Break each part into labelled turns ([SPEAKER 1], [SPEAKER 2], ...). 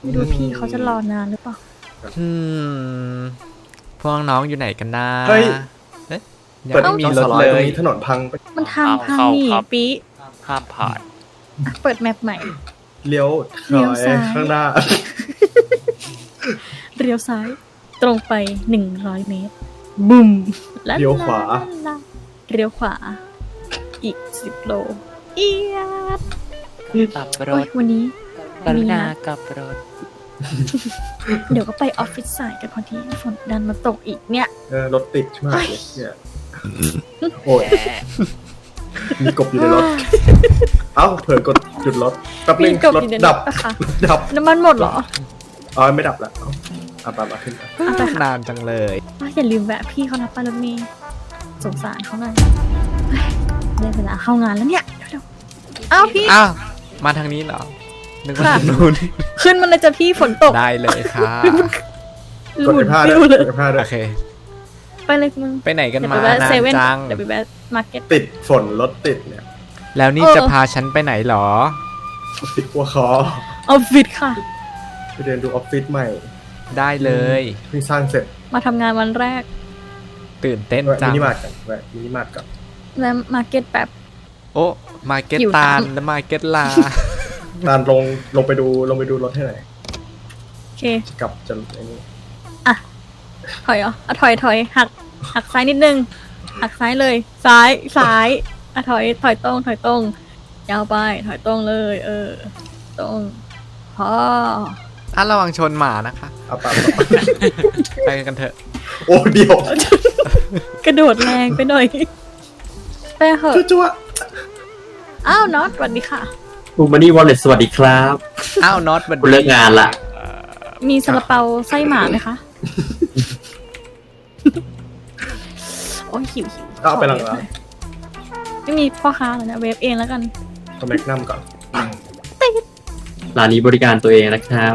[SPEAKER 1] ไม่รู้พี่เขาจะรอนานหรือเปล่า
[SPEAKER 2] พวกน้องอยู่ไหนกันนะ
[SPEAKER 3] เฮ้ย
[SPEAKER 2] ยังไม่มีรถเลย
[SPEAKER 3] ถนนพังไป
[SPEAKER 1] มันทางพังนี่ปี
[SPEAKER 4] ห้ามผ่าน
[SPEAKER 1] เปิดแมปใหม่
[SPEAKER 3] เลี้ยวซ้ายข้างหน้า
[SPEAKER 1] เลี้ยวซ้ายตรงไป100 เมตรบุ้ม
[SPEAKER 3] เลี้ยวขวา
[SPEAKER 1] เลี้ยวขวาอีก10 โลเอียด
[SPEAKER 4] กับรถ
[SPEAKER 1] วันนี้
[SPEAKER 4] กรุณากับรถ
[SPEAKER 1] เดี๋ยวก็ไปออฟฟิศสายกันพอดีฝนดันมาตกอีกเนี่ย
[SPEAKER 3] รถติดมากเลยเนี่ยโอ้ยมีกบอยู่ในรถเอ้าเผลอกดหยุดรถแป๊บนึงรถดับ
[SPEAKER 1] น้ำมันหมดเหรอ
[SPEAKER 3] ไม่ดับแล้วเอาไปขึ้น
[SPEAKER 2] นานจังเลย
[SPEAKER 1] อย่าลืมแวะพี่เขานะป้ารถเมย์สงสารเขาหน่อยได้เวลาเข้างานแล้วเนี่ยเดี๋ยวอ้าวพี่
[SPEAKER 2] มาทางนี้เหรอนึกว่านู้น
[SPEAKER 1] ขึ้นมันเลยจะพี่ฝนตก
[SPEAKER 2] ได้เลยค่ะ
[SPEAKER 3] กดผ้าด้วย
[SPEAKER 2] โอเค
[SPEAKER 1] ไปเลยมึง
[SPEAKER 2] ไปไหนกันมานานจัง
[SPEAKER 1] เดี๋ยวไปแวะมาร์เก็ต
[SPEAKER 3] ติดฝนรถติดเนี่ย
[SPEAKER 2] แล้วนี่จะพาฉันไปไหนหรอ
[SPEAKER 3] ออฟฟิศวัวคอ
[SPEAKER 1] ออฟฟิศค่ะ
[SPEAKER 3] ไปเดินดูออฟฟิศใหม่
[SPEAKER 2] ได้เลย
[SPEAKER 3] เพิ่งสร้างเสร็จ
[SPEAKER 1] มาทำงานวันแรก
[SPEAKER 2] ตื่นเต้นจัง
[SPEAKER 3] มินิมาร์ทกันมินิมาร์ทกับ
[SPEAKER 1] แล้วมาร์เก็ตแบบ
[SPEAKER 2] โอ้มาร์เก็ตตาลและมาร์เก็ตลา
[SPEAKER 3] ตาลลงไปดูรถให้หน่อย
[SPEAKER 1] โอเค
[SPEAKER 3] กลับจะไอ้นี่
[SPEAKER 1] ถอยถอยหักซ้ายนิดนึงหักซ้ายเลยซ้ายถอยตรงยาวไปถอยตรงเลยตรงพอ
[SPEAKER 2] ระวังชนหมานะคะไปกันเถอะ
[SPEAKER 3] โอ้เดี๋ยว
[SPEAKER 1] กระโดดแรงไปหน่อยไปเหอะ
[SPEAKER 3] จั่ว
[SPEAKER 1] อ้าวน็อตสวัสดีค่ะ
[SPEAKER 5] บูมานี่วอลเล็ตสวัสดีครับ
[SPEAKER 2] อ้าวน็อต
[SPEAKER 5] วันเลิกงานละ
[SPEAKER 1] มีซาลาเปาไส้หมาไหมคะโอ้ยหิว
[SPEAKER 3] เอาไปหลัง
[SPEAKER 1] ไม่มีพ่อค้าเลยนะเวฟเองแล้วกัน
[SPEAKER 3] ทำแม็กนัมก่อน
[SPEAKER 5] ร้านนี้บริการตัวเองนะครับ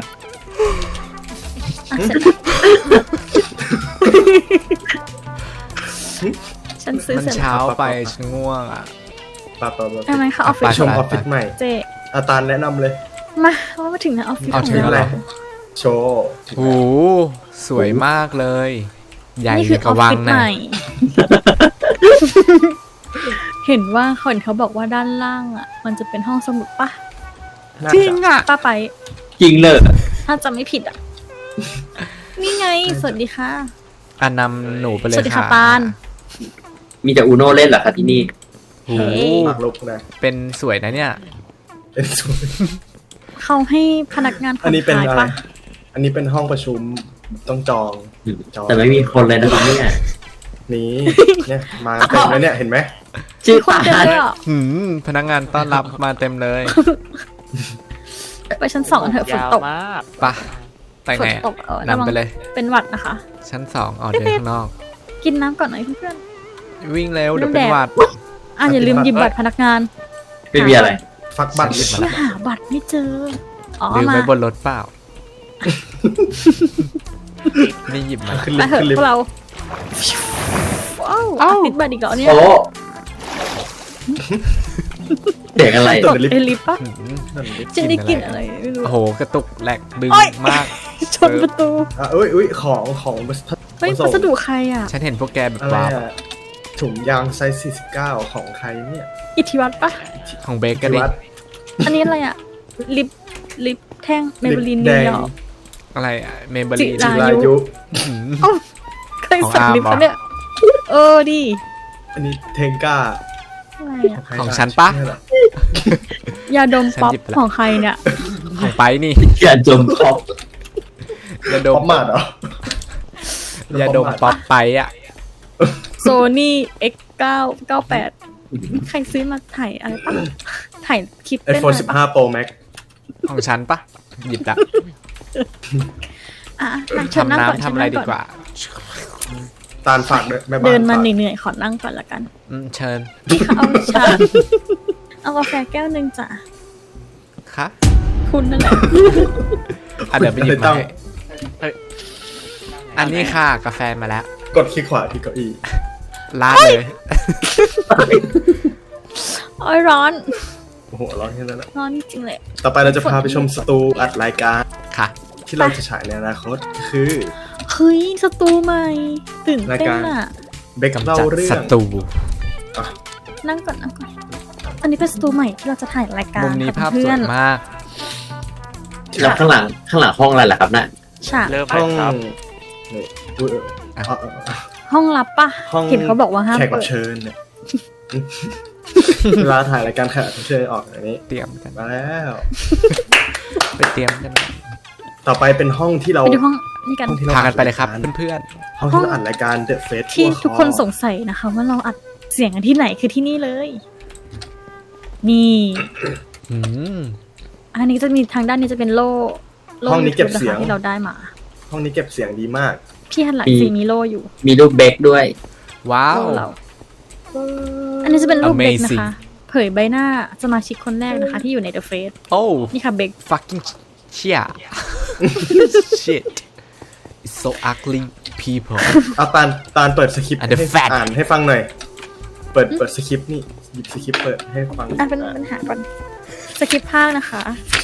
[SPEAKER 1] ฉันซื้อ
[SPEAKER 2] มันเช้าไปฉันง่วงอ่ะ
[SPEAKER 1] ทำไมคะออฟฟิศ
[SPEAKER 3] ชมออฟฟิศใหม่
[SPEAKER 1] เจ
[SPEAKER 3] อาตาลแนะนำเลย
[SPEAKER 1] มาถึงนะออฟฟิศ
[SPEAKER 3] ถึงอะไรโชว์
[SPEAKER 2] โอ้สวยมากเลยใหญ่กว่าวังนะ
[SPEAKER 1] เห็นว่าคนเขาบอกว่าด้านล่างอ่ะมันจะเป็นห้องสมุดปะ
[SPEAKER 2] จริงอ่ะ
[SPEAKER 1] ป้าไป
[SPEAKER 5] จริงเลย
[SPEAKER 1] ถ้าจำไม่ผิดอ่ะนี่ไงสวัสดีค่ะ
[SPEAKER 2] นำหนูไปเลยค่ะ
[SPEAKER 1] สวัสดีค่ะปาน
[SPEAKER 5] มีแต่อูโน่เล่นเหรอคะที่นี่
[SPEAKER 2] โอ้เป็นสวยนะเนี่ย
[SPEAKER 3] เป็นสวย
[SPEAKER 1] เขาให้พนักงาน
[SPEAKER 3] อันนี้เป็นอะไรอันนี้เป็นห้องประชุมต้องจอง
[SPEAKER 5] แต่ไม่มีคนเลยนะครับเนี่ย
[SPEAKER 3] เนี่ยมาเต็มเลยเนี่ยเห็นไหม
[SPEAKER 1] ชื่อคนเต็มเลยอ่ะ
[SPEAKER 2] พนักงานต้อนรับมาเต็มเลย
[SPEAKER 1] ไปชั้น2กันเถอะฝนตก
[SPEAKER 2] ปะไปไหนนำไปเลย
[SPEAKER 1] เป็นหวัดนะคะ
[SPEAKER 2] ชั้น2เดินข้างนอก
[SPEAKER 1] กินน้ำก่อนหน่อยเพื่อน
[SPEAKER 2] วิ่งเร็วเดี๋ยวเป็นหวัด
[SPEAKER 1] อย่าลืมหยิบบัตรพนักงาน
[SPEAKER 5] ไม่มีอะไร
[SPEAKER 3] ฟักบัตร
[SPEAKER 1] หาบัตรไม่เจอ
[SPEAKER 2] ลืมไว้บนรถเปล่านี่หยิบมา
[SPEAKER 1] ไปเถอะพวกเราติดบัตรอีกแล้วเนี่ย
[SPEAKER 5] เด็กอะไร
[SPEAKER 1] ตดเอลิฟปะจะได้กินอะไรไม่รู้
[SPEAKER 2] โอ้โหกระตุกแหลกดึงมาก
[SPEAKER 1] ชนประตู
[SPEAKER 3] อุ้ยของ
[SPEAKER 1] เฮ้ยพัสดุใครอ่ะ
[SPEAKER 2] ฉันเห็นพวกแกแบบว้าว
[SPEAKER 3] ถุงยางไซส์49ของใครเนี่ย
[SPEAKER 1] อิทธิวัฒน์ปะ
[SPEAKER 2] ของเบเกอรี่
[SPEAKER 1] อันนี้อะไรอ่ะลิปแท่งเมเบลินนิวยอร์ก
[SPEAKER 2] อะไรอ่ะเมเบลิน
[SPEAKER 1] จิรายุใครสั่งลิปปะเนี่ยดิ
[SPEAKER 3] อันนี้เทงก้า
[SPEAKER 2] ของฉันปะ
[SPEAKER 1] ยาดมป๊อปของใครเนี่ย
[SPEAKER 2] ของไปนี่
[SPEAKER 5] ยาดมป๊อป
[SPEAKER 2] ยาดม
[SPEAKER 3] มาเหร
[SPEAKER 2] อยาดมป๊อปไปอ่ะ
[SPEAKER 1] โซนี่ X998ใครซื้อมาถ่ายอะไรปะถ่ายคลิป
[SPEAKER 3] เป็นiPhone 15 Pro Max
[SPEAKER 2] ของฉันปะหยิบละ
[SPEAKER 1] ทำน้ำ
[SPEAKER 2] ทำอะไรดีกว่า
[SPEAKER 3] ตาลฝากด้วย
[SPEAKER 1] เดินมาเหนื่อยๆขอนั่งก่อนละกัน
[SPEAKER 2] เชิญ
[SPEAKER 1] เอากาแฟแก้วนึงจ้ะ
[SPEAKER 2] ค่ะ
[SPEAKER 1] คุณนั่นแหละ
[SPEAKER 2] เดี๋ยวไปหยิบมาอันนี้ค่ะกาแฟมาแล้ว
[SPEAKER 3] กดคลิกขวาที่เก้าอี้
[SPEAKER 2] ลาดเลย
[SPEAKER 1] โอ้ยร้อน
[SPEAKER 3] โอ้โหร้อนแค่นั้นแหละ
[SPEAKER 1] ร้อนจริงเลย
[SPEAKER 3] ต่อไปเราจะพาไปชมสตูอัดรายการ
[SPEAKER 2] ค่ะ
[SPEAKER 3] ที่เราจะฉายในอนาคตคือ
[SPEAKER 1] เฮ้ยสตูใหม่ตื่นเต้นอ่ะ
[SPEAKER 3] เบคเล่า
[SPEAKER 2] จัด
[SPEAKER 3] เรื่อ
[SPEAKER 2] ศั
[SPEAKER 3] ง
[SPEAKER 2] ตรู
[SPEAKER 1] นั่งก่อนอันนี้เป็นสตูใหม่ที่เราจะถ่ายรายการ
[SPEAKER 2] มุมนี้ภาพส
[SPEAKER 1] เพื่
[SPEAKER 2] ว
[SPEAKER 1] อย น
[SPEAKER 2] มาก
[SPEAKER 5] แล้วข้างหลังห้องอะไรล่ะครับน่ะ
[SPEAKER 1] ฉาก
[SPEAKER 4] เริ่ม
[SPEAKER 3] ห้
[SPEAKER 4] เล
[SPEAKER 3] อย ง
[SPEAKER 4] ครับ
[SPEAKER 3] นี่อุ๊ย
[SPEAKER 1] ห้องลับปะ
[SPEAKER 3] ห้อง
[SPEAKER 1] เห็นเขาบอกว่าห้าม
[SPEAKER 3] แขกรั
[SPEAKER 1] เปิ
[SPEAKER 3] บ
[SPEAKER 1] ด
[SPEAKER 3] เชิญเนี่ย เวลาถ่ายรายการแขกรับเชิญออกอย่างนี้
[SPEAKER 2] เตรียมกัน
[SPEAKER 3] มาแล้ว
[SPEAKER 2] ไปเตรียมกัน
[SPEAKER 3] ต่อไปเป็นห้องที่เรา
[SPEAKER 1] ไปดูห้องนี่กัน
[SPEAKER 3] ห้องที่เรา
[SPEAKER 2] พากันไปเลยครับเพื่อน
[SPEAKER 3] ห้องที่เราอัดรายการ The Face
[SPEAKER 1] ที่ทุกคนสงสัยนะคะ ว่าเราอัดเสียงกันที่ไหนคือที่นี่เลย นี่
[SPEAKER 2] ๆอืม
[SPEAKER 1] อันนี้จะมีทางด้านนี้จะเป็นโล่
[SPEAKER 3] ห้องนี้เก็บ
[SPEAKER 1] YouTube
[SPEAKER 3] เสียง
[SPEAKER 1] นะคะที่เราได้มา
[SPEAKER 3] ห้องนี้เก็บเสียงดีมาก
[SPEAKER 1] พี่หันหลังซีมีโล่อยู่
[SPEAKER 5] มีรูปเบคด้วย
[SPEAKER 2] ว้าว
[SPEAKER 1] โล่เรา อันนี้จะเป็นรูปเบก
[SPEAKER 2] Amazing
[SPEAKER 1] นะคะ เผยใบหน้าสมาชิกคนแรกนะคะ ที่อยู่ใน The Face
[SPEAKER 2] โอ้
[SPEAKER 1] นี่ค่ะเบก
[SPEAKER 2] fucking shit shit it's so ugly people
[SPEAKER 3] เอาตาลเปิดสคริปต์
[SPEAKER 2] And the
[SPEAKER 3] ให้
[SPEAKER 2] fat
[SPEAKER 3] อ่านให้ฟังหน่อย เปิดสคริปต์นี่หยิบสคริปต์เปิดให้ฟัง
[SPEAKER 1] อ่ะเป็นปัญหาก่อนสคริปต์ภาคนะคะ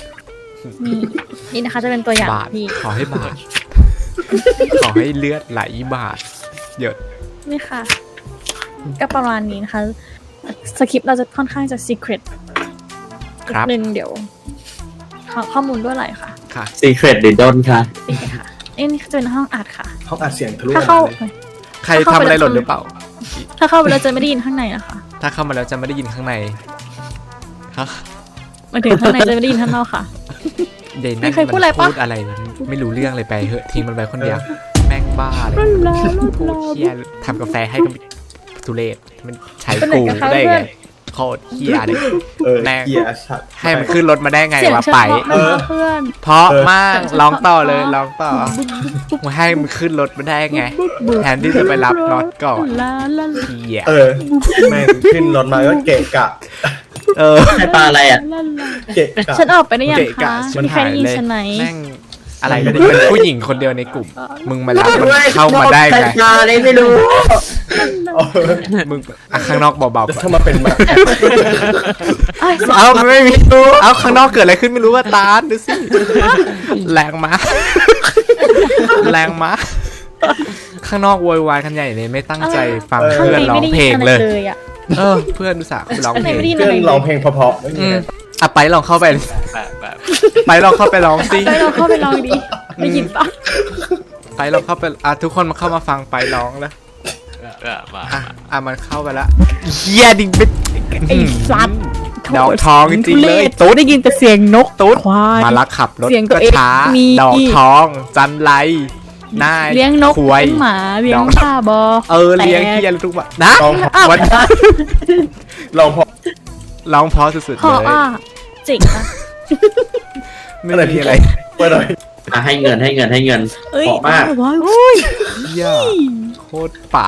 [SPEAKER 1] นี่นะคะจะเป็นตัวอย่าง
[SPEAKER 2] บาท
[SPEAKER 1] พี่
[SPEAKER 2] ขอให้บาท ขอให้เลือดไหลบาทหยด
[SPEAKER 1] นี่ค่ะ ก็ประมาณนี้นะคะ สคริปต์เราจะค่อนข้างจะ secret
[SPEAKER 2] ครับ
[SPEAKER 1] นิดนึงเดี๋ยวขอข้อมูลด้วยอะไรค่ะ
[SPEAKER 2] ค่ะ
[SPEAKER 5] Secret หรือดนค่ะ
[SPEAKER 1] นี่ค่ะนี่จะเป็นห้องอัดค่ะ
[SPEAKER 3] ห้องอัดเสียงทะลุ
[SPEAKER 1] ถ้าเข้า
[SPEAKER 3] เลย
[SPEAKER 2] ใครทำอะไรหล่นหรือเปล่า
[SPEAKER 1] ถ้าเข้าไปเราจะไม่ได้ยินข้างในนะคะ
[SPEAKER 2] ถ้าเข้ามาแล้วจะไม่ได้ยินข้างในฮะ
[SPEAKER 1] หมายถึงข้างในจะไม่ได้ยินข้างนอกค่ะ
[SPEAKER 2] เดน
[SPEAKER 1] มีใครพูดอะไรปะ
[SPEAKER 2] พูดอะไรไม่รู้เรื่องเลยไปเหอะทิ้งมันไปคนเดียว แม่งบ้าเลย
[SPEAKER 1] รุ่นราวรุ่น
[SPEAKER 2] โค
[SPEAKER 1] รา
[SPEAKER 2] ตร
[SPEAKER 1] ว
[SPEAKER 2] เฮียทำกาแฟให้กับทุเรศมันใช้
[SPEAKER 1] เป็นไหน
[SPEAKER 2] กู
[SPEAKER 1] กันคะ
[SPEAKER 2] ได้
[SPEAKER 1] เพื่
[SPEAKER 2] ไง
[SPEAKER 1] อน
[SPEAKER 2] โคตรเฮียเลย
[SPEAKER 3] แม่เกียร์ชัด
[SPEAKER 2] ให้มันขึ้นรถมาได้ไง
[SPEAKER 1] เสียง
[SPEAKER 2] วะ
[SPEAKER 1] เฉ
[SPEAKER 2] ไป
[SPEAKER 1] พาะนะคะเพื่อน
[SPEAKER 2] เพราะมากร้องต่อเลยร้องต่อมาให้มันขึ้นรถมาได้ไง แทนที่จะไปรับน็อตก่อน
[SPEAKER 1] ลาลา
[SPEAKER 2] เฮีย
[SPEAKER 3] แม่งขึ้นรถมาก็เกะกะ
[SPEAKER 5] ใช่ปลาอะไรอ่ะ
[SPEAKER 1] ลาลา
[SPEAKER 3] เกะกะ
[SPEAKER 1] ฉันออกไปได้ยัง
[SPEAKER 2] เกะ
[SPEAKER 1] คะ
[SPEAKER 2] กะชิบ
[SPEAKER 1] มีใคร
[SPEAKER 2] หาย
[SPEAKER 1] ได้ยิน
[SPEAKER 2] เลย
[SPEAKER 1] ฉันไหม
[SPEAKER 2] แม่งอะไรกันนี่เป็นผู้หญิงคนเดียวในกลุ่ม มึงมารับมันเข้ามาได้ไง
[SPEAKER 5] ปลาอะไรไม่รู้
[SPEAKER 2] มึงอ่ะข้างนอกเบาๆก่อน
[SPEAKER 3] ถ้ามาเป็นมา
[SPEAKER 1] เอ้ย
[SPEAKER 2] เอาไม่มีเอาข้างนอกเกิดอะไรขึ้นไม่รู้ว่าตาดูสิแรงมาแรงมาข้างนอกโวยวายกันใหญ่เลยไม่ตั้งใจฟัง
[SPEAKER 1] ข้าง
[SPEAKER 2] เพื่อน
[SPEAKER 1] ใน
[SPEAKER 2] ร้อ
[SPEAKER 1] ไม่
[SPEAKER 2] ง
[SPEAKER 1] ได้
[SPEAKER 2] เพล
[SPEAKER 1] ยิน
[SPEAKER 2] ง
[SPEAKER 1] อะไร
[SPEAKER 2] เลย
[SPEAKER 1] เลยอ่ะ
[SPEAKER 2] เพื่อนดูสาห์ร้อง
[SPEAKER 1] ข้าง
[SPEAKER 2] เพ
[SPEAKER 1] ใน
[SPEAKER 2] ลง
[SPEAKER 1] ไม่ได้ยิน
[SPEAKER 3] เพื่
[SPEAKER 1] อะ
[SPEAKER 3] อน
[SPEAKER 1] ไรเล
[SPEAKER 3] ร้อง
[SPEAKER 1] ย
[SPEAKER 3] เพลงเพราะๆไม่มีอะไร
[SPEAKER 2] อ่ะไปลองเข้าไป
[SPEAKER 4] แบบ
[SPEAKER 2] ไปลองเข้าไปร้องสิ
[SPEAKER 1] ไปเราเข้าไปลองดิได้ยินปะ
[SPEAKER 2] ไปลองเข้าไปทุกคนมาเข้ามาฟังไปร้องแล้ว
[SPEAKER 4] มา
[SPEAKER 2] มันเข้าไปละเฮียดิงเป็น
[SPEAKER 1] ไอ้สัตว์
[SPEAKER 2] ดอกทองจริงๆเลย
[SPEAKER 1] ตุ๊ดได้ยินแต่เสียงนกตุ๊ดควาย
[SPEAKER 2] มาลักขับรถ
[SPEAKER 1] เสียงตัว
[SPEAKER 2] ก็
[SPEAKER 1] เอง
[SPEAKER 2] ช้า
[SPEAKER 1] มี
[SPEAKER 2] ดอกทองจันไรนาย
[SPEAKER 1] เลี้ยงนก
[SPEAKER 2] ควย
[SPEAKER 1] เลี้ยงหมาเลี้ยงบ้าบอ
[SPEAKER 2] เลี้ยงเฮียทุกวันนะ
[SPEAKER 3] ร้องเพราะ
[SPEAKER 2] วัน
[SPEAKER 3] ร้องเพราะ
[SPEAKER 2] ร้องเพราะสุดๆ
[SPEAKER 1] พอ
[SPEAKER 2] เลย
[SPEAKER 1] อ่ะเจ๋งอะ
[SPEAKER 2] ไม่มีอะไร
[SPEAKER 3] เปิดหน่อย
[SPEAKER 5] ให้เงิน
[SPEAKER 1] เอ้ย
[SPEAKER 5] เหมาะมาก
[SPEAKER 1] ว้าว
[SPEAKER 2] เฮียโคตรป่า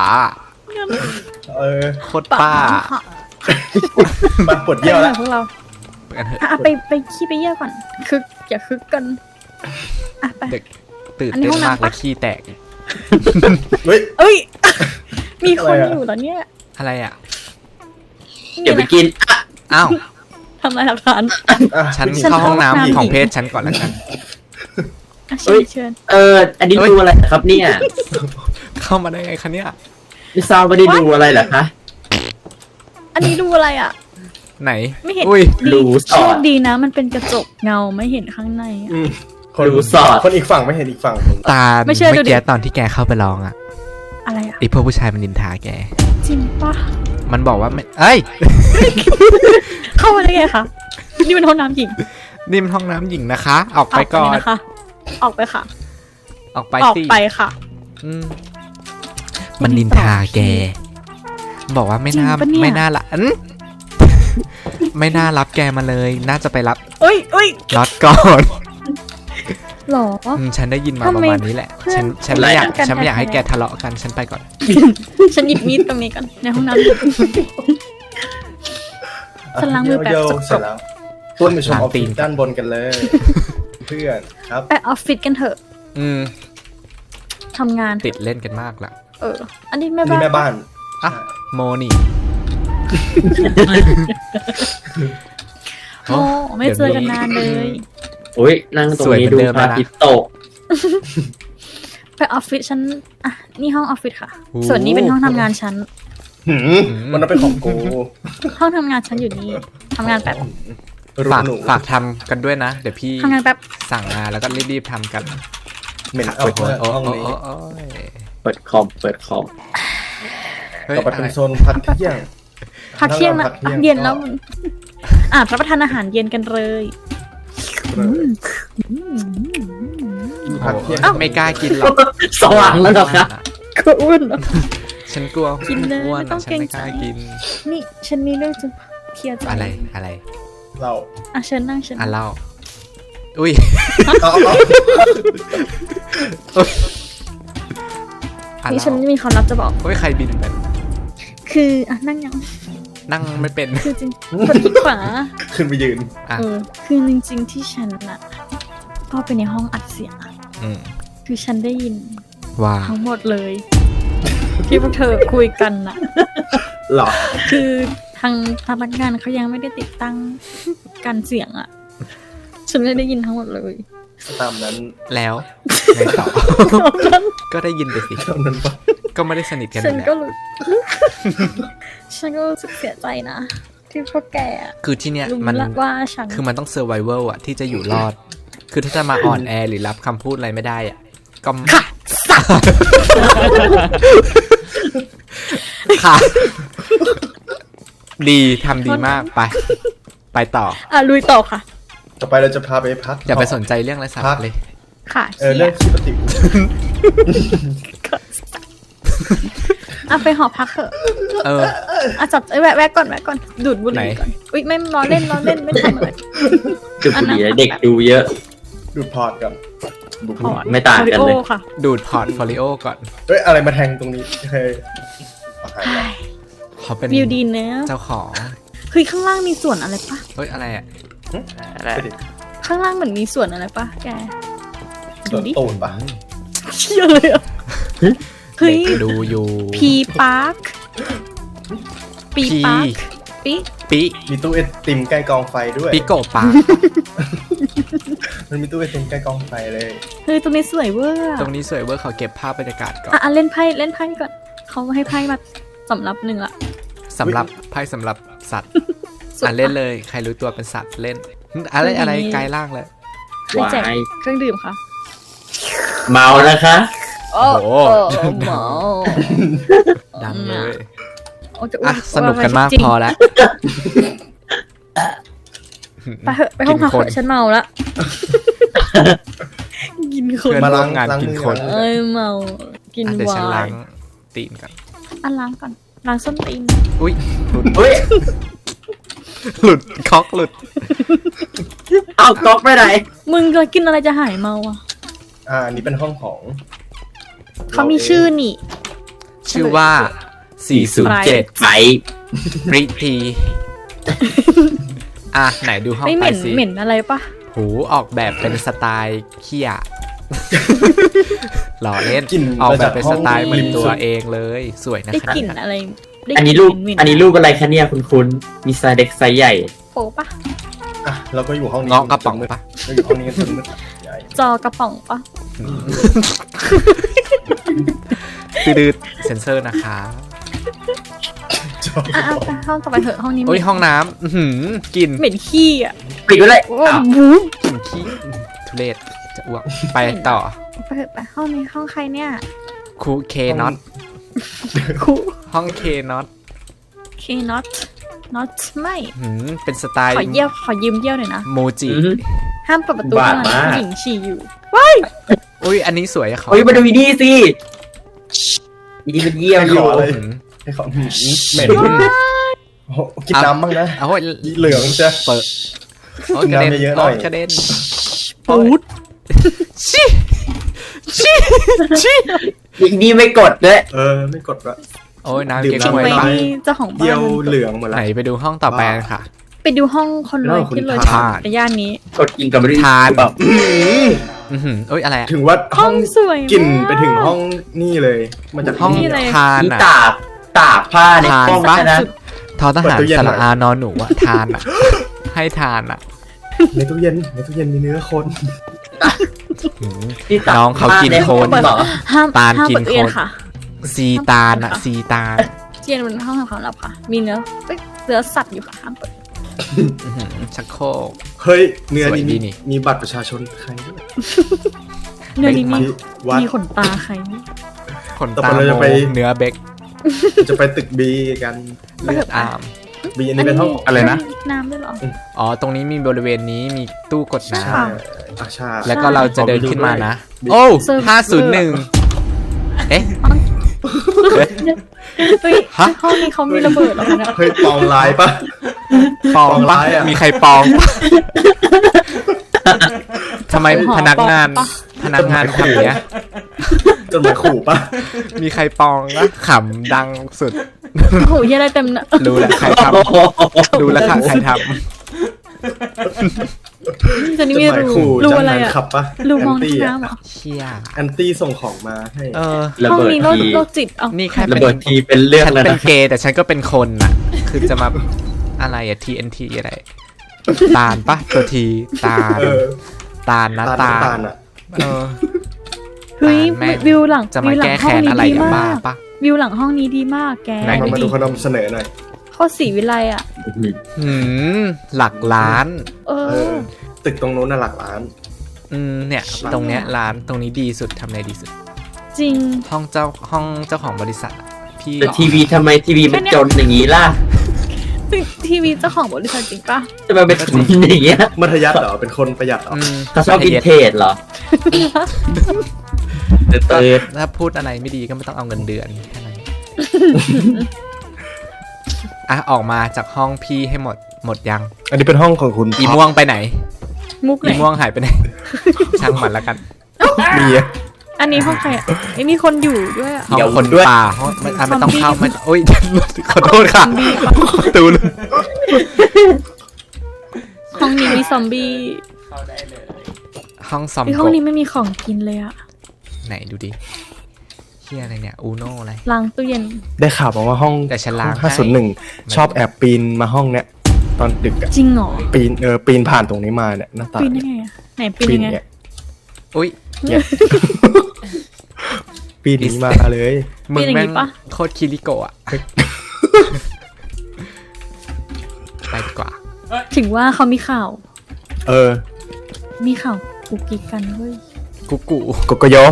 [SPEAKER 2] โคตรป้า
[SPEAKER 3] มาปวดเยี่ยวแล้ว
[SPEAKER 1] พวกเรา
[SPEAKER 2] ไปกันเถอะ
[SPEAKER 1] อ่ะไปขี้ไปเยี่ยวก่อนคึกอย่าคึกกันอ่ะไป
[SPEAKER 2] เด็กตื่น
[SPEAKER 1] อันนี้
[SPEAKER 2] เต้น
[SPEAKER 1] ห้องน้ำ
[SPEAKER 2] มาก
[SPEAKER 1] ปะ
[SPEAKER 2] และขี้แตก
[SPEAKER 3] เฮ้ย
[SPEAKER 1] เอ้ย มีคน
[SPEAKER 3] อะไรอะ
[SPEAKER 1] อยู่แล้วเนี่ย
[SPEAKER 2] อะไรอ่ะ
[SPEAKER 5] เดี๋ยวไปกิน
[SPEAKER 2] อ้าว
[SPEAKER 1] ทำลายหลักฐาน
[SPEAKER 2] ฉัน
[SPEAKER 1] ฉัน
[SPEAKER 2] เข้าห้อง
[SPEAKER 1] เข้าห้อง
[SPEAKER 2] น้ำ
[SPEAKER 1] น้ำ
[SPEAKER 2] ของ
[SPEAKER 1] หญิง
[SPEAKER 2] เพศฉันก่อนแล้วกัน
[SPEAKER 1] อ่ะ
[SPEAKER 5] เอ้
[SPEAKER 1] เชิญ
[SPEAKER 5] ย
[SPEAKER 1] เชิญ
[SPEAKER 5] อันนี้ดูอะไรครับเนี่ย
[SPEAKER 2] เข้ามาได้ไงคะเนี่ย
[SPEAKER 5] ไม่ทราบว่าได้ดูอะไรเหรอคะ
[SPEAKER 1] อันนี้ดูอะไรอ่ะ
[SPEAKER 2] ไหน
[SPEAKER 1] ไม่เห็น
[SPEAKER 2] อุ้ย
[SPEAKER 5] ดูส
[SPEAKER 1] โช
[SPEAKER 5] อ
[SPEAKER 1] ค
[SPEAKER 5] ด
[SPEAKER 1] ดีนะ มันเป็นกระจกเงาไม่เห็นข้างในอะ
[SPEAKER 3] คน
[SPEAKER 5] ดูสอด
[SPEAKER 3] คนอีกฝั่งไม่เห็นอีกฝั่งผม
[SPEAKER 2] ตา
[SPEAKER 1] ไม่เชื่อดูดิ
[SPEAKER 2] เมื่อกี้ตอนที่แกเข้าไปร้องอ่ะ
[SPEAKER 1] อะไรอ่ะ
[SPEAKER 2] ไอพวกผู้ชายมันนินทาแก
[SPEAKER 1] จริงปะ
[SPEAKER 2] มันบอกว่าไม่เอ้ย
[SPEAKER 1] เข้ามาได้ไงคะนี่เป็นห้องน้ำหญิง
[SPEAKER 2] นี่มันห้องน้ำหญิงนะคะ ออกไปก่อน
[SPEAKER 1] เลยนะคะ ออกไปค่ะ
[SPEAKER 2] ออกไป
[SPEAKER 1] ออก
[SPEAKER 2] สิ
[SPEAKER 1] ไปค่ะ
[SPEAKER 2] อืมมันนินทาแก บอกว่าไม่น่า
[SPEAKER 1] จริงปะเนี่ย
[SPEAKER 2] ไม่น่าละอืม ไม่น่ารับแกมาเลย น่าจะไปรับ
[SPEAKER 1] เอ้ยเอ้ย
[SPEAKER 2] น็อตก่อน
[SPEAKER 1] หรอ
[SPEAKER 2] ฉันได้ยินมา
[SPEAKER 1] ทำ
[SPEAKER 2] ประ
[SPEAKER 1] ไม
[SPEAKER 2] มาณนี้แหละ
[SPEAKER 1] เพื่อน
[SPEAKER 2] ฉันไม่อยาก
[SPEAKER 1] กัน
[SPEAKER 2] ฉันไม่อยากให้
[SPEAKER 1] แท้ๆ
[SPEAKER 2] แกทะเลาะกัน ฉันไปก่อน
[SPEAKER 1] ฉันหยิบมีดตรงนี้ก่อนในห้องน้ำ ฉันล้างมือแบบ
[SPEAKER 3] เยี่ยว
[SPEAKER 1] สกปรก
[SPEAKER 3] เสร็จแล้วต้นไปชมอ
[SPEAKER 2] ล้าง
[SPEAKER 3] อฟ
[SPEAKER 2] ตี
[SPEAKER 3] ฟิ
[SPEAKER 2] น
[SPEAKER 3] ศด้านบนกันเลย เพื่อนครับ
[SPEAKER 1] ไปออฟฟิศกันเถอะ
[SPEAKER 2] อืม
[SPEAKER 1] ทำงาน
[SPEAKER 2] ติดเล่นกันมากละ
[SPEAKER 1] อันนี้แม่
[SPEAKER 3] นี่
[SPEAKER 1] บ้าน
[SPEAKER 3] แม่บ้าน
[SPEAKER 2] อ่ะ โมนี่
[SPEAKER 1] โอ้ไม่เจอกันนานเลย
[SPEAKER 5] โอ้ยนั่งตรง
[SPEAKER 2] สวย
[SPEAKER 5] นี้
[SPEAKER 2] เหมื
[SPEAKER 5] ดู
[SPEAKER 2] อนเดิม
[SPEAKER 5] พระ
[SPEAKER 2] แล้วนะ
[SPEAKER 5] อาทิตย์ตก
[SPEAKER 1] ไปออฟฟิศฉันอ่ะนี่ห้องออฟฟิศค่ะ ส่วนนี้เป็นห้องทำงานฉัน
[SPEAKER 3] มันต้องเป็นของกู
[SPEAKER 1] ห้องทำงานฉันอยู่นี่ทำงานแป๊บ
[SPEAKER 3] รูป
[SPEAKER 2] ฝาก
[SPEAKER 3] หนู
[SPEAKER 2] ฝากทำกันด้วยนะ เดี๋ยวพี่
[SPEAKER 1] ทำงานแป๊บ
[SPEAKER 2] สั่งมาแล้วก็รีบๆทำกัน
[SPEAKER 3] เหม็นเอา
[SPEAKER 2] โอ้ย
[SPEAKER 3] เพื่อ
[SPEAKER 2] โอ้
[SPEAKER 3] ห้อง
[SPEAKER 2] ย
[SPEAKER 3] นี้
[SPEAKER 2] โอ้ย
[SPEAKER 5] เปิดคอมเฮ้ย
[SPEAKER 3] ต่อไปเป็นโซนพักเที่ยง
[SPEAKER 1] พักเที่ยงนะ
[SPEAKER 3] พักเที่ยง
[SPEAKER 1] เย็นแล้วรับประทานอาหารเย็นกันเลย
[SPEAKER 3] พักเที่ยง
[SPEAKER 2] ไม่กล้ากินหรอก
[SPEAKER 5] สว่างแล้วเหรอคะ
[SPEAKER 1] ก็อ้วน
[SPEAKER 2] ฉันกลัว
[SPEAKER 1] กินเลย
[SPEAKER 2] อ้วน
[SPEAKER 1] ไม่ต้อง
[SPEAKER 2] ฉันไม่
[SPEAKER 1] เกรงใจ
[SPEAKER 2] กล้ากิน
[SPEAKER 1] นี่ฉันมีเรื่องจะเคลียร์ใจ
[SPEAKER 2] อะไร
[SPEAKER 3] เรา
[SPEAKER 1] อ่ะเชิญนั่งเชิญ
[SPEAKER 2] อ่ะเล่าอุ้ย
[SPEAKER 3] เอา
[SPEAKER 2] อ่ะ
[SPEAKER 1] นี่
[SPEAKER 2] เล่า
[SPEAKER 1] ฉันมีความลับจะบอก
[SPEAKER 2] โอ้ยใครบินเป็น
[SPEAKER 1] คืออ่ะนั่งยัง
[SPEAKER 2] นั่งไม่เป็น
[SPEAKER 1] คือจริงกดที่ขวา
[SPEAKER 3] ขึ้นไปยืน
[SPEAKER 2] อ่ะ
[SPEAKER 1] คือจริงๆที่ฉันน่ะก็ไปในห้องอัดเสียงอะ
[SPEAKER 2] อืม
[SPEAKER 1] คือฉันได้ยิน
[SPEAKER 2] ว่า
[SPEAKER 1] ทั้งหมดเลย ที่พวกเธอคุยกันน่ะ
[SPEAKER 3] หรอ
[SPEAKER 1] คือทางพนักงานเขายังไม่ได้ติดตั้งการเสียงอะฉันไม่ได้ยินทั้งหมดเลย
[SPEAKER 3] ตามนั้น
[SPEAKER 2] แล้วไงต่อ ก็ได้ยินไปสิ
[SPEAKER 3] ตามนั้นปะ
[SPEAKER 2] ก็ไม่ได้สนิทกันอ
[SPEAKER 1] ฉัน
[SPEAKER 2] ยู่
[SPEAKER 1] ก็
[SPEAKER 2] แล้ว
[SPEAKER 1] รู้ ฉันก็รู้สึกเสียใจนะ ที่พวกแกอะ
[SPEAKER 2] คือที่เนี้ย
[SPEAKER 1] รู้
[SPEAKER 2] มัน
[SPEAKER 1] ละว่าฉัน
[SPEAKER 2] คือมันต้องเซอร์ไวเวลอะที่จะอยู่รอด คือถ้าจะมาอ่อนแอหรือรับคำพูดอะไรไม่ได้อะก็ค่ะ ดีทำดีมากไปต่อ
[SPEAKER 1] ลุยต่อค่ะ
[SPEAKER 3] ต่อไปเราจะพาไปพัก
[SPEAKER 2] อย่าไปสนใจเรื่องไรสาระเลย
[SPEAKER 1] ค่ะ
[SPEAKER 3] เรื่องที่ปฏิ
[SPEAKER 1] ไปหอพักเถอะ
[SPEAKER 2] เออ
[SPEAKER 1] จับแวะก่อนดูดบุหรี่ก่อนอุ้ยไม่ล้อเล่นไม่ทำอะไร
[SPEAKER 5] จุดบุหรี่เด็กดูเยอะ
[SPEAKER 3] ดูดพอร์ตกัน
[SPEAKER 5] ไม่ต่างกันเลย
[SPEAKER 1] โอริโอค่ะ
[SPEAKER 2] ดูดพอร์ตโฟลิโอก่อน
[SPEAKER 3] เอ้ยอะไรมาแทงตรงนี้เคยเอาหายแล้ว
[SPEAKER 2] เขาเป็น
[SPEAKER 1] วิวดีเนอะ
[SPEAKER 2] เจ้าของ
[SPEAKER 1] เฮ้ยข้างล่างมีส่วนอะไรปะ
[SPEAKER 2] เฮ้ยอะไรอะ
[SPEAKER 4] อะไร
[SPEAKER 1] ข้างล่างเหมือนมีส่วนอะไรปะแก
[SPEAKER 3] ส่วนตูนปะ
[SPEAKER 1] เชี่ยเลยอ่ะเฮ้ย
[SPEAKER 2] เด็กดูอยู่
[SPEAKER 1] พีปาร์คปีปาร์คปี
[SPEAKER 2] ปิ
[SPEAKER 3] มีตู้ไอติมใกล้กองไฟด้วย
[SPEAKER 2] ปิโกปา
[SPEAKER 3] มันมีตู้ไอติมใกล้กองไฟเลย
[SPEAKER 1] เฮ้ยตรงนี้สวยเวอร์
[SPEAKER 2] ตรงนี้สวยเวอร์เขาเก็บภาพบรรยากาศก่อน
[SPEAKER 1] เล่นไพ่ก่อนเขาให้ไพ่มาสำรับหนึ่งละ
[SPEAKER 2] สำหรับไพ่สำหรับสัตว์เล่นเลยใครรู้ตัวเป็นสัตว์เล่นอะไรกลายร่างเลย
[SPEAKER 1] ให้แจก
[SPEAKER 5] วาย
[SPEAKER 1] เครื่องดื่มค่ะ
[SPEAKER 5] เมานะคะ
[SPEAKER 1] โอ้
[SPEAKER 2] โห
[SPEAKER 1] หมอ
[SPEAKER 2] ดังเลย
[SPEAKER 1] โอ้จะอ้ว
[SPEAKER 2] อ่ะสนุกกันมาก
[SPEAKER 1] จริง
[SPEAKER 2] พอแล้ว
[SPEAKER 1] ไปเถอะไปห้องพักเถ
[SPEAKER 2] กินคน
[SPEAKER 1] อะฉันเมาละกินคน
[SPEAKER 2] เพื่อน
[SPEAKER 3] มา
[SPEAKER 2] ร่
[SPEAKER 3] ล้าว ง
[SPEAKER 2] มงาน
[SPEAKER 3] ล้าง
[SPEAKER 2] กิน
[SPEAKER 3] มือ
[SPEAKER 2] คน
[SPEAKER 3] ก่อน
[SPEAKER 1] เอ้ยเมากิน
[SPEAKER 2] เดี๋ยว
[SPEAKER 1] ไว
[SPEAKER 2] ฉันล้าง
[SPEAKER 1] น์
[SPEAKER 2] ตีนก่อน
[SPEAKER 1] ล้างก่อนล้างส้นตีน
[SPEAKER 2] อุ้ยหลุด
[SPEAKER 5] เฮ้ย
[SPEAKER 2] หลุดคอกหลุด
[SPEAKER 5] เอาก๊อกไปไหน
[SPEAKER 1] มึงจะกินอะไรจะหายเมาอ่ะ
[SPEAKER 3] อันนี้เป็นห้องของ
[SPEAKER 1] เขามีชื่อนี่
[SPEAKER 2] ชื่อว่า 407
[SPEAKER 5] ไฟ
[SPEAKER 2] ปริทีอ่ะไหนดูห้อง
[SPEAKER 1] ไม่
[SPEAKER 2] ไป
[SPEAKER 1] เหม็น
[SPEAKER 2] สิ
[SPEAKER 1] เหม็นอะไรปะ
[SPEAKER 2] หูออกแบบเป็นสไตล์เขี้ยหล่อเล่น
[SPEAKER 3] กลิ่น
[SPEAKER 2] ออกแบบเป็นสไตล์เหมือน
[SPEAKER 3] ริม
[SPEAKER 2] ตั
[SPEAKER 3] สุ
[SPEAKER 2] ว
[SPEAKER 3] ด
[SPEAKER 2] เองเลยสวยนะ
[SPEAKER 1] ได้
[SPEAKER 2] คะ
[SPEAKER 1] กลิ่นอะไรได้
[SPEAKER 5] อันนี้รูป
[SPEAKER 1] เหม็ๆ
[SPEAKER 5] อันนี้รูปอะไรคะเนี่ยคุณมีไซส์เด็กไซส์ใหญ่
[SPEAKER 1] โป๊ปะ
[SPEAKER 3] อ่ะเราก็อยู่ห้องนี้
[SPEAKER 2] เงาะกระป๋องปะ
[SPEAKER 3] เราอยู่ห้องนี้กันจนมืดใหญ่
[SPEAKER 1] จอกระป๋องปะ
[SPEAKER 2] ตืดๆเซนเซอร์นะคะ
[SPEAKER 3] จอ
[SPEAKER 1] ไปห้องต่อไปเถอะห้องนี้
[SPEAKER 2] โอ้ยห้องน้ำอื้อหือกลิน
[SPEAKER 1] เหม็นขี้อ่ะ
[SPEAKER 5] ปิดไว้เลย
[SPEAKER 1] โอ้
[SPEAKER 5] อ้าว
[SPEAKER 1] บู
[SPEAKER 2] กลินขี้ทุเรศจะอ้วกไปต่อ
[SPEAKER 1] ไปเถอะไปห้องนี้ห้องใครเนี่ย
[SPEAKER 2] คูเคน็อต
[SPEAKER 1] คุ
[SPEAKER 2] ห้องเคน็อต
[SPEAKER 1] เคน็อตน็อตไม่
[SPEAKER 2] เป็นสไตล์
[SPEAKER 1] ขอยืมเยี่ยวหน่อยนะ
[SPEAKER 2] โมจิ
[SPEAKER 5] อื้อหือ
[SPEAKER 1] ห้ามเปิดประตู
[SPEAKER 5] บา
[SPEAKER 1] เท่า
[SPEAKER 5] ด
[SPEAKER 1] นั้น
[SPEAKER 5] มาก
[SPEAKER 1] ผู้หญิงฉี่อยู่
[SPEAKER 2] อุ้ยอันนี้สวยอะเขา
[SPEAKER 5] เฮ้ยมาดูอีนี่สิอีนี่มันเยี่ยมอยู่
[SPEAKER 3] ขออะไร
[SPEAKER 2] อืม
[SPEAKER 3] ให้เขาเหม็นโอ้โหกินน้ำบ้างนะ
[SPEAKER 2] เอาโอ้ย
[SPEAKER 3] เหลืองจะ
[SPEAKER 2] เปิดโอ้ยกระเด็น
[SPEAKER 3] น้ำเยอะๆหน่อย
[SPEAKER 2] โกระเด็น
[SPEAKER 1] ปูด
[SPEAKER 2] ชิชิชิ
[SPEAKER 5] อีนี่ไม่กดด้วย
[SPEAKER 3] ไม่กดละ
[SPEAKER 2] โอ้ยน้ำ
[SPEAKER 3] ดื่ม
[SPEAKER 2] เก๊ก
[SPEAKER 1] ทิ้ง
[SPEAKER 2] ฮวย
[SPEAKER 1] ไว้
[SPEAKER 3] น้ำ
[SPEAKER 1] นี่เจ้าของบ้า
[SPEAKER 3] เยี่ย
[SPEAKER 1] น
[SPEAKER 3] วเหลืองหมด
[SPEAKER 2] ไหน
[SPEAKER 3] ละ
[SPEAKER 2] ไปดูห้องต่อไปกันค่ะ
[SPEAKER 1] ไปดูห้องคนรวย
[SPEAKER 3] คุณ
[SPEAKER 1] ที่เลย
[SPEAKER 2] ทาน
[SPEAKER 1] ในย่านนี้
[SPEAKER 5] กดกินกับไม่ได้
[SPEAKER 2] ทาน
[SPEAKER 5] แบบ
[SPEAKER 2] อือหือโอ้ยอะไรอะ
[SPEAKER 3] ถึงว่า
[SPEAKER 1] ห้
[SPEAKER 3] ห้
[SPEAKER 1] อ
[SPEAKER 3] อง ง
[SPEAKER 1] สวยมาก
[SPEAKER 3] กลิ่นไปถึงห้องนี่เลยมาจาก
[SPEAKER 2] ห้อง
[SPEAKER 1] นี่เลย
[SPEAKER 2] ทาน
[SPEAKER 5] นี่
[SPEAKER 2] อะ
[SPEAKER 5] ตากผ้าใน
[SPEAKER 2] ทาน
[SPEAKER 5] ห้อง
[SPEAKER 2] ปะ
[SPEAKER 5] นะ
[SPEAKER 2] ทอทหารสระอานอนหนูอะทานอะให้ทานอะ
[SPEAKER 3] ในตู้เย็นมีเนื้อคน
[SPEAKER 2] หืม
[SPEAKER 5] ที่ตัด
[SPEAKER 2] น้องเขากินโคน
[SPEAKER 5] เหรอ
[SPEAKER 1] ห้าม
[SPEAKER 2] ตาล
[SPEAKER 1] ห้าม
[SPEAKER 2] กิน
[SPEAKER 1] เปิดตู้เย็น
[SPEAKER 2] คน
[SPEAKER 1] ค่ะ
[SPEAKER 2] ซีตาลอะซีตาล
[SPEAKER 1] ตู้เย็นมันห้องทำความลับค่ะ มีเนื้อเอ้ยเนื้อสัตว์อยู่ค่ะห้ามเปิด
[SPEAKER 2] อื้อหือชักโครก
[SPEAKER 3] เฮ้ยเนื้อ
[SPEAKER 2] สวยดี
[SPEAKER 3] นี้
[SPEAKER 2] นี่
[SPEAKER 3] มีบัตรประชาชนใครด้วย
[SPEAKER 1] เนื้อนี้มี
[SPEAKER 3] ที่วัด
[SPEAKER 1] มีขนตาใครไหม
[SPEAKER 2] ขน
[SPEAKER 3] ต่อ
[SPEAKER 2] ตา
[SPEAKER 3] ไปเราจะ
[SPEAKER 2] โม
[SPEAKER 3] ไป
[SPEAKER 2] เนื้อเบค
[SPEAKER 3] จะไปตึกบีกัน
[SPEAKER 2] เลือดอาม
[SPEAKER 3] บีอันนี้เป็นห้อง
[SPEAKER 2] อะไรนะ
[SPEAKER 1] มีน้ำด้วยเหรอ
[SPEAKER 2] อ๋อ ตรงนี้มีบริเวณนี้มีตู้กดน้
[SPEAKER 3] ใช่ใช่
[SPEAKER 2] ำแล้วก็เราจะเดินขึ้นมานะ
[SPEAKER 3] บิ๊ก
[SPEAKER 2] โอ้
[SPEAKER 1] เซิร์ฟ
[SPEAKER 2] 501 เอ๊ะ
[SPEAKER 1] เฮ้ย
[SPEAKER 2] ฮะ
[SPEAKER 1] ห้องนี้เขามีระเบิดเหรอคะเนี่ย
[SPEAKER 3] เฮ้ยปองลายปะ
[SPEAKER 2] ปอง
[SPEAKER 3] ปอง
[SPEAKER 2] ปะ
[SPEAKER 3] ร้ายอะ
[SPEAKER 2] มีใครปองปะทำไมพนักงาน
[SPEAKER 1] ปะ
[SPEAKER 2] พนักงานทำอย่างเนี้ย
[SPEAKER 3] จนหมายขู่ปะ
[SPEAKER 2] มีใครปองนะขำดังสุด
[SPEAKER 1] โอ้โหเหี้ยอะไรเต็มเนะ
[SPEAKER 2] รู้แล้วใครทำรู้แล้วค่ะใครท
[SPEAKER 1] จะนี่
[SPEAKER 3] จน
[SPEAKER 1] มี
[SPEAKER 3] หมาย
[SPEAKER 1] รู
[SPEAKER 3] ขู่
[SPEAKER 1] รู
[SPEAKER 3] จัง
[SPEAKER 1] อะไร
[SPEAKER 3] นั้น
[SPEAKER 1] อ่ะ
[SPEAKER 3] ขับปะ
[SPEAKER 1] รูม
[SPEAKER 3] แอ
[SPEAKER 1] อง
[SPEAKER 3] นตี้
[SPEAKER 1] น้ำเหรอ
[SPEAKER 2] ำเชี่ย
[SPEAKER 3] แอนตี้ส่งของมาให้
[SPEAKER 2] เออ
[SPEAKER 5] ระ
[SPEAKER 1] ห้อง
[SPEAKER 5] เบิด
[SPEAKER 1] นี้
[SPEAKER 5] ที
[SPEAKER 1] โรคจิตเอา
[SPEAKER 2] นี่แค่
[SPEAKER 5] ระ
[SPEAKER 2] เป็น
[SPEAKER 5] เบิดทีเป็นเรื่อง
[SPEAKER 2] ฉัน
[SPEAKER 5] แล้ว
[SPEAKER 2] เป็น
[SPEAKER 5] นะ
[SPEAKER 2] เกย์แต่ฉันก็เป็นคนน่ะ คือจะมาอะไรอะ TNT อะไร ตาลปะตัวทีตาล
[SPEAKER 3] เออ
[SPEAKER 2] ตาลนะ
[SPEAKER 3] ตา
[SPEAKER 2] ตา
[SPEAKER 3] ตา
[SPEAKER 2] ล
[SPEAKER 3] ลอ่ะ
[SPEAKER 2] เออ
[SPEAKER 1] เฮ้ย
[SPEAKER 2] แม่ง
[SPEAKER 1] วิวหลัง
[SPEAKER 2] จะมา
[SPEAKER 1] วิวหลั
[SPEAKER 2] แก้
[SPEAKER 1] งห้อ
[SPEAKER 2] แค้
[SPEAKER 1] ง
[SPEAKER 2] น
[SPEAKER 1] นี้
[SPEAKER 2] อะไร
[SPEAKER 1] ดี
[SPEAKER 2] อะ
[SPEAKER 1] มา
[SPEAKER 2] บ้าก ปะ
[SPEAKER 1] วิวหลังห้องนี้ดีมากแก
[SPEAKER 2] ไหน
[SPEAKER 3] เรามาดู
[SPEAKER 1] ดิ
[SPEAKER 3] เขานำเสนอหน่อย
[SPEAKER 1] โคตรสีวิไลอ่ะ
[SPEAKER 2] หืมหลักล้าน
[SPEAKER 1] เอ
[SPEAKER 3] เอ
[SPEAKER 1] อ
[SPEAKER 3] อ ตึกตรงโน้นน่ะหลักล้าน
[SPEAKER 2] เนี่ย ตรงเนี้ยร้านตรงนี้ดีสุดทำอะไรดีสุด
[SPEAKER 1] จริง
[SPEAKER 2] ห้องเจ้าของบริษัทอะพี่
[SPEAKER 5] แต่ทีวีทำไมทีวีมันจนอย่างนี้ล่ะ
[SPEAKER 1] ทีวีเจ้าของบริษัทจริงปะ
[SPEAKER 5] จะมาเป็นอย่างเงี้ย
[SPEAKER 3] มัธยัสถ์เหรอ เป็นคนประหยัดเหรอ
[SPEAKER 5] เขาชอบวินเทจเหรอเติร์ด
[SPEAKER 2] ถ้าพูดอะไรไม่ดีก็ไม่ต้องเอาเงินเดือนแค่นั้น อ่ะออกมาจากห้องพี่ให้หมดยัง
[SPEAKER 3] อันนี้เป็นห้องของคุณ
[SPEAKER 2] อีม่วงไปไหน
[SPEAKER 1] มุกไหน
[SPEAKER 2] อีม่วงหายไปไหน ช่างมันแล้วกัน
[SPEAKER 3] มีอะ
[SPEAKER 1] อันนี้ห้องใครอ่ะไอ้มีคนอยู่ด้วยอ่ะ
[SPEAKER 2] ห้องคน
[SPEAKER 3] ด้วย
[SPEAKER 2] ป่าห้องไม่ต้องเข้า
[SPEAKER 1] ซอมบี้
[SPEAKER 2] ไม่โอ๊ย ขอโทษค่ะประตูเลย
[SPEAKER 1] ห้องนี้มีซอมบี้
[SPEAKER 2] ห้องซอม
[SPEAKER 1] ไอ้ห้องนี้ไม่มีของกินเลยอ่ะ
[SPEAKER 2] ไหนดูดิเฮียอะไรเนี่ยอูโน่อะไร
[SPEAKER 1] ล้างตู้เย็น
[SPEAKER 3] ได้ข่าวมาว่าห้อง
[SPEAKER 2] แต่ฉันล้างให้
[SPEAKER 3] 501 ชอบแอบปีนมาห้องเนี้ย ตอนดึกอะ
[SPEAKER 1] จริงเหรอ
[SPEAKER 3] ปีนผ่านตรงนี้มาเนี่ยหน้าต่าง
[SPEAKER 1] ปีนได้ไงอ่ะไหนปีนยังไง
[SPEAKER 3] เนี่ย
[SPEAKER 2] อุ้ย
[SPEAKER 3] เนี่ย ปีนหนีมาเลย
[SPEAKER 2] มึง
[SPEAKER 1] เป็นอย่าง
[SPEAKER 2] แม่ง
[SPEAKER 1] งี้ปะ
[SPEAKER 2] โคตรคิริโกะอะไปดีกว่า
[SPEAKER 1] ถึงว่าเขามีข่าว
[SPEAKER 3] เออ
[SPEAKER 1] มีข่าวกุกกิกกันเว้ย
[SPEAKER 2] กุ๊กกู
[SPEAKER 3] โกโกโย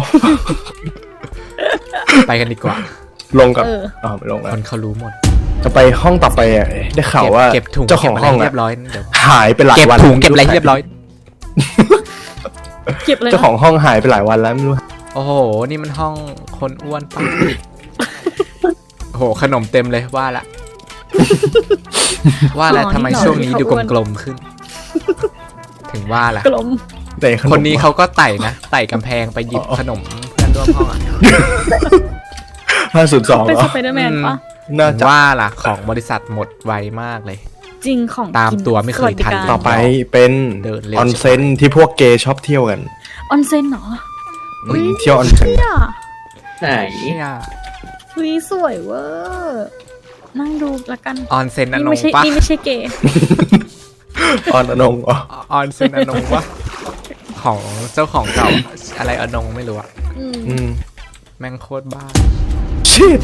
[SPEAKER 2] ไปกันดีกว่า
[SPEAKER 3] ลงกับ
[SPEAKER 1] เออ
[SPEAKER 3] ไม่ลง
[SPEAKER 2] ค
[SPEAKER 3] แล้ว
[SPEAKER 2] นเขารู้หมด
[SPEAKER 3] จะไปห้องต่อไปอ่ะได้ข่าวว่า
[SPEAKER 2] เก็บถุง
[SPEAKER 3] เจ้าของห้อง
[SPEAKER 2] เก็บะไร
[SPEAKER 3] อะ
[SPEAKER 2] เรียบร้อยเดี๋ยว
[SPEAKER 3] หายไปหลาย
[SPEAKER 2] เก็บ
[SPEAKER 3] วัน
[SPEAKER 2] ถุงเก็บอะไรให้เรียบร้อย
[SPEAKER 1] เก็บเลย
[SPEAKER 3] เจ้าของห้องหายไปหลายวันแล้วไม่รู้
[SPEAKER 2] โอ้โห นี่มันห้องคนอ้วนปะโอ้โห ขนมเต็มเลยว่าละ ว่าแล้วทำไมช่วงนี้ดูกลมๆขึ้น ถึงว่าละ
[SPEAKER 1] กลม
[SPEAKER 3] แต่ข
[SPEAKER 2] คนนี้เขาก็ไต่นะ ไต่กำแพงไปหยิบขนมเพื่อนร่วมห้องอะ
[SPEAKER 3] 502
[SPEAKER 1] เป็น
[SPEAKER 3] เหร
[SPEAKER 1] ส
[SPEAKER 3] อ
[SPEAKER 1] ไปเดอร์แมนปะ
[SPEAKER 3] น่า
[SPEAKER 2] ถึง
[SPEAKER 3] จะ
[SPEAKER 2] ว่าล่ะ ของบริษัทหมดไวมากเลย
[SPEAKER 1] จริงของ
[SPEAKER 2] ตาม
[SPEAKER 1] กิน
[SPEAKER 2] ตัวไม่เคยทัน
[SPEAKER 1] สวัสดิการ
[SPEAKER 3] ต่อไปเป็น
[SPEAKER 2] เดินเร็ว
[SPEAKER 3] ออนเซ็นที่พวกเกย์ชอบเที่ยวกัน
[SPEAKER 1] ออนเซ็นเหรอ
[SPEAKER 3] เที่ยวออนเซ็น
[SPEAKER 1] เนี่ย
[SPEAKER 5] ไหน
[SPEAKER 2] เนี่ย
[SPEAKER 1] เฮ้ยสวยเวอร์นั่งดูละกัน
[SPEAKER 2] ออนเซ็นอน
[SPEAKER 1] นี่
[SPEAKER 2] ง
[SPEAKER 1] ไม่ใช่
[SPEAKER 2] ปะ
[SPEAKER 1] นี่ไม่ใช่เกย์
[SPEAKER 3] ออนอนงอ๋อ
[SPEAKER 2] ออนเซ็นอนงปะของเจ้าของเก่าอะไรอนงไม่รู้อะ
[SPEAKER 3] อืม
[SPEAKER 2] แม่งโคตรบ้า
[SPEAKER 3] ชิด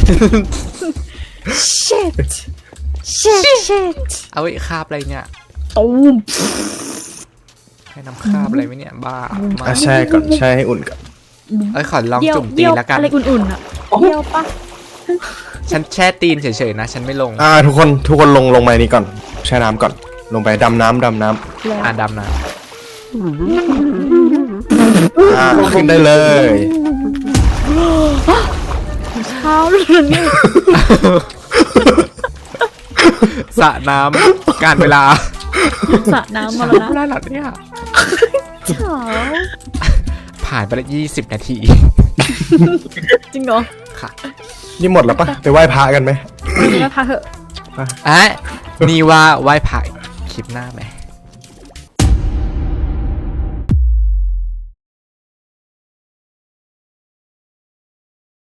[SPEAKER 1] shit shit shit
[SPEAKER 2] เอาไอ้คาบอะไรเนี่ย
[SPEAKER 1] ตูม
[SPEAKER 2] ให้น้ำคาบอะไรไหมเนี่ยบ้ามา
[SPEAKER 3] แช่ก่อนแช่ให้อุ่นก่อน
[SPEAKER 2] เอ้ยขอลอง
[SPEAKER 1] เดี่ยว
[SPEAKER 2] จุ่มตี
[SPEAKER 1] เดี่ยวน
[SPEAKER 2] แล้วกัน
[SPEAKER 1] อะไรอุ่นๆอ่ะเดี่ยวปะ
[SPEAKER 2] ฉันแช่ตีนเฉยๆนะ ฉันไม่ลง
[SPEAKER 3] ทุกคนลงไปนี่ก่อนแช่น้ำก่อน ลงไปดำน้ำ
[SPEAKER 2] อ่าดำนะ
[SPEAKER 3] ขึ้นได้เลย
[SPEAKER 1] เช้าเลยเนี่ย
[SPEAKER 2] สระน้ำการเวลา
[SPEAKER 1] สระน้ำมา
[SPEAKER 2] เช้า
[SPEAKER 1] แล้ว
[SPEAKER 2] เว
[SPEAKER 1] นะ
[SPEAKER 2] ลาหลับเนี่ย
[SPEAKER 1] เช้า
[SPEAKER 2] ผ่านไปแล้ว20 นาที
[SPEAKER 1] จริงเหรอ
[SPEAKER 2] ค่ะ
[SPEAKER 3] นี่หมดแล้วปะไปไหว้พระกันไหม
[SPEAKER 1] แล้วพาเถอะ
[SPEAKER 2] อ่ะนี่ว่าไหว้พระคลิปหน้าไหม